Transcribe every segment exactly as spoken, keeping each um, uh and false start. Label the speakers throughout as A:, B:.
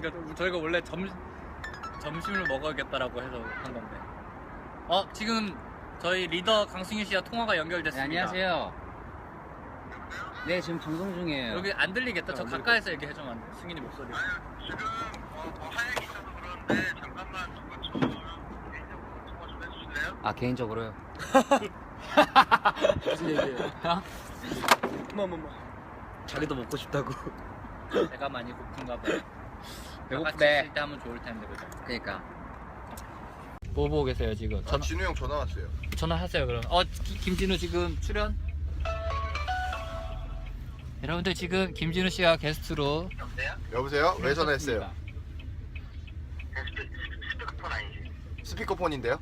A: 그러니까 저희가 원래 점 점심을 먹어야겠다라고 해서 한 건데. 어 지금 저희 리더 강승희 씨와 통화가
B: 네,
A: 연결됐습니다.
B: 안녕하세요. 네, 지금 방송 중이에요.
A: 여기 안 들리겠다. 저
B: 안
A: 가까이서 얘기해주면 안 돼. 승인이 목소리.
C: 지금 어, 뭐 할 얘기 있어서 그러는데 잠깐만 저 개인적으로 통화 좀 해주실래요?
B: 아, 개인적으로요?
D: 무슨 얘기예요?
B: 어?
D: 뭐뭐뭐 자기도 먹고 싶다고.
A: 배가 많이 고픈가 봐요. 같이
B: 배고프대.
A: 있을 때 하면 좋을 텐데 그죠?
B: 그니까.
A: 뭐 보고 계세요 지금?
C: 아, 진우 형 전화 왔어요.
A: 전화하세요 그럼. 어 기- 김진우 지금 출연? 여러분들 지금 김진우 씨가 게스트로
C: 여보세요? 여보세요? 왜 전화했어요?
A: 출연하셨습니다.
C: 스피커폰 아니지? 스피커폰인데요?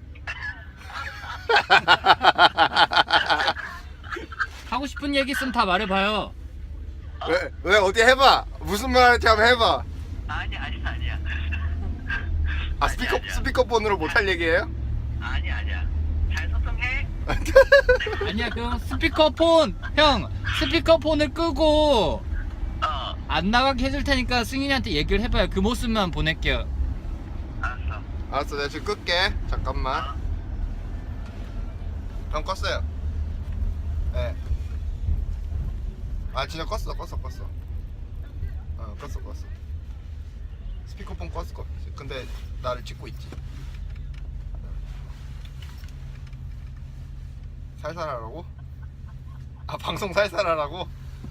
A: 하고 싶은 얘기 있으면 다 말해봐요.
C: 왜, 왜 어디 해봐. 무슨 말 할지 한번 해봐.
E: 아니 아니 아니야.
C: 아 스피커
E: 아니야.
C: 스피커폰으로 못할 얘기예요?
E: 아니 아니야. 잘 소통해.
A: 아니야 그럼 스피커폰 형 스피커폰을 끄고
E: 어
A: 안 나가게 해줄 테니까 승인이한테 얘기를 해봐요. 그 모습만 보낼게요.
E: 알았어.
C: 알았어, 내가 지금 끌게. 잠깐만. 형 껐어요. 네. 아 진짜 껐어, 껐어, 껐어. 어, 껐어, 껐어. 스피커폰 껐을 거. 근데 나를 찍고 있지. 살살하라고? 아 방송 살살하라고?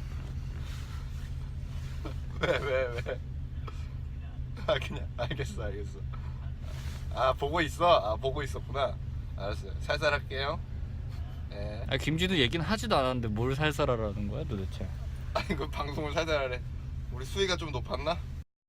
C: 왜 왜 왜? 아 그냥 알겠어 알겠어. 아 보고 있어? 아 보고 있었구나. 알았어요. 살살 할게요. 예.
A: 아 김진우 얘기는 하지도 않았는데 뭘 살살하라는 거야 도대체?
C: 아니 그 방송을 살살하래. 우리 수위가 좀 높았나?